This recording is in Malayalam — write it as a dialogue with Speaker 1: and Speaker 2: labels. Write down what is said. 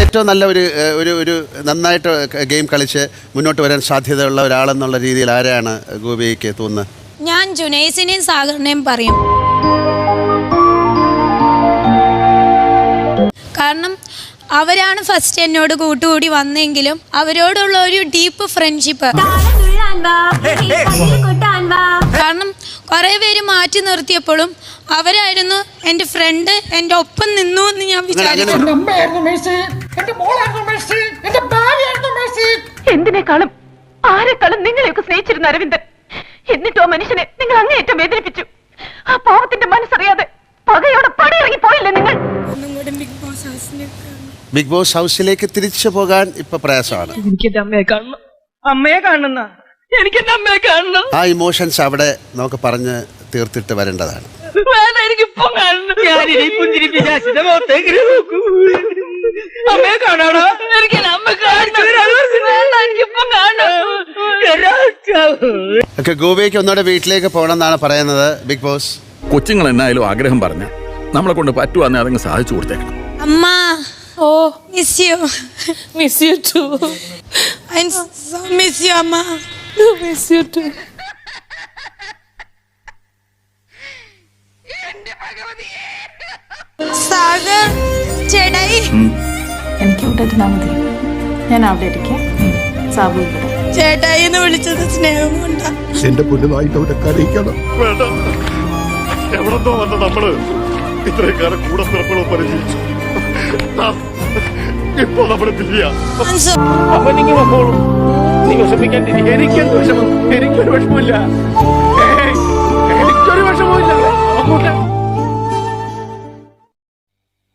Speaker 1: ഏറ്റവും നല്ല ഒരു നന്നായിട്ട് ഗെയിം കളിച്ച് മുന്നോട്ട് വരാൻ സാധ്യതയുള്ള ഒരാളെന്നുള്ള രീതിയിൽ ആരെയാണ് ഗോപിക്ക് തോന്നുന്നത്?
Speaker 2: ഞാൻ ജുനൈസിനെയും സാഗറിനെയും പറയും. കാരണം അവരാണ് ഫസ്റ്റ് എന്നോട് കൂട്ടുകൂടി വന്നെങ്കിലും അവരോടുള്ള ഒരു ഡീപ്പ് ഫ്രണ്ട്ഷിപ്പ്. കാരണം കുറെ പേര് മാറ്റി നിർത്തിയപ്പോഴും അവരായിരുന്നു എൻ്റെ ഫ്രണ്ട്, എൻ്റെ ഒപ്പം നിന്നു എന്ന് ഞാൻ വിചാരിച്ചു.
Speaker 3: എന്തിനേക്കാളും ആരെക്കാളും നിങ്ങളെയൊക്കെ സ്നേഹിച്ചിരുന്ന അരവിന്ദൻ, എന്നിട്ടോ മനുഷ്യനെ നിങ്ങൾ അങ്ങേയറ്റം വേദനിപ്പിച്ചു. ആ പാവത്തിന്റെ മനസ്സറിയാതെ പകയോടെ പടിയിറങ്ങി പോയില്ലേ നിങ്ങൾ?
Speaker 1: ബിഗ് ബോസ് ഹൗസിലേക്ക് തിരിച്ചു പോകാൻ ഇപ്പൊ പ്രയാസമാണ്.
Speaker 3: എനിക്കെന്റെ അമ്മയെ കാണണം, അമ്മയെ കാണുന്ന എനിക്കെന്റെ അമ്മയെ കാണണം.
Speaker 1: ആ ഇമോഷൻസ് അവിടെ നമുക്ക് പറഞ്ഞ് തീർത്തിട്ട് വരേണ്ടതാണ്.
Speaker 3: അമ്മയെ കാണാണോ?
Speaker 1: ഒക്കെ ഗോവയ്ക്ക് ഒന്നുകൂടെ വീട്ടിലേക്ക് പോകണം എന്നാണ് പറയുന്നത് ബിഗ് ബോസ്.
Speaker 4: കൊച്ചുങ്ങൾ എന്നായാലും ആഗ്രഹം പറഞ്ഞ നമ്മളെ കൊണ്ട് പറ്റുവാന്നെ അതങ്ങ് സാധിച്ചു കൊടുത്തേക്കണം.
Speaker 2: അമ്മ, oh miss you.
Speaker 5: Miss you too.
Speaker 2: I so miss you അമ്മ.
Speaker 5: Miss you too.
Speaker 2: സാഗർ ചേട്ടായി,
Speaker 5: എനിക്ക് ഇവിടെ ഇരുന്നാ മതി, ഞാൻ അവിടെ ഇരിക്കാം. സാബു ഇവിടെ.
Speaker 2: ചേട്ടായി എന്ന് വിളിച്ചത് സ്നേഹം കൊണ്ടാ.
Speaker 6: എന്റെ പൊന്നുമായിട്ട് അവിടെ കരയിക്കണം.
Speaker 7: വേണ്ട, എവിടെന്തോ വന്ന നമ്മള് ഇത്രയും കാലം കൂടെ പിറപ്പുകളോ പരിചയിച്ചു. ഇപ്പൊ നമ്മുടെ പിരിയ
Speaker 8: അപ്പൊ നിങ്ങൾ വന്നോളൂ, നീ വിഷമിക്കാൻ. എനിക്കെന്ത് വിഷമം? എനിക്കൊരു വിഷമമില്ല.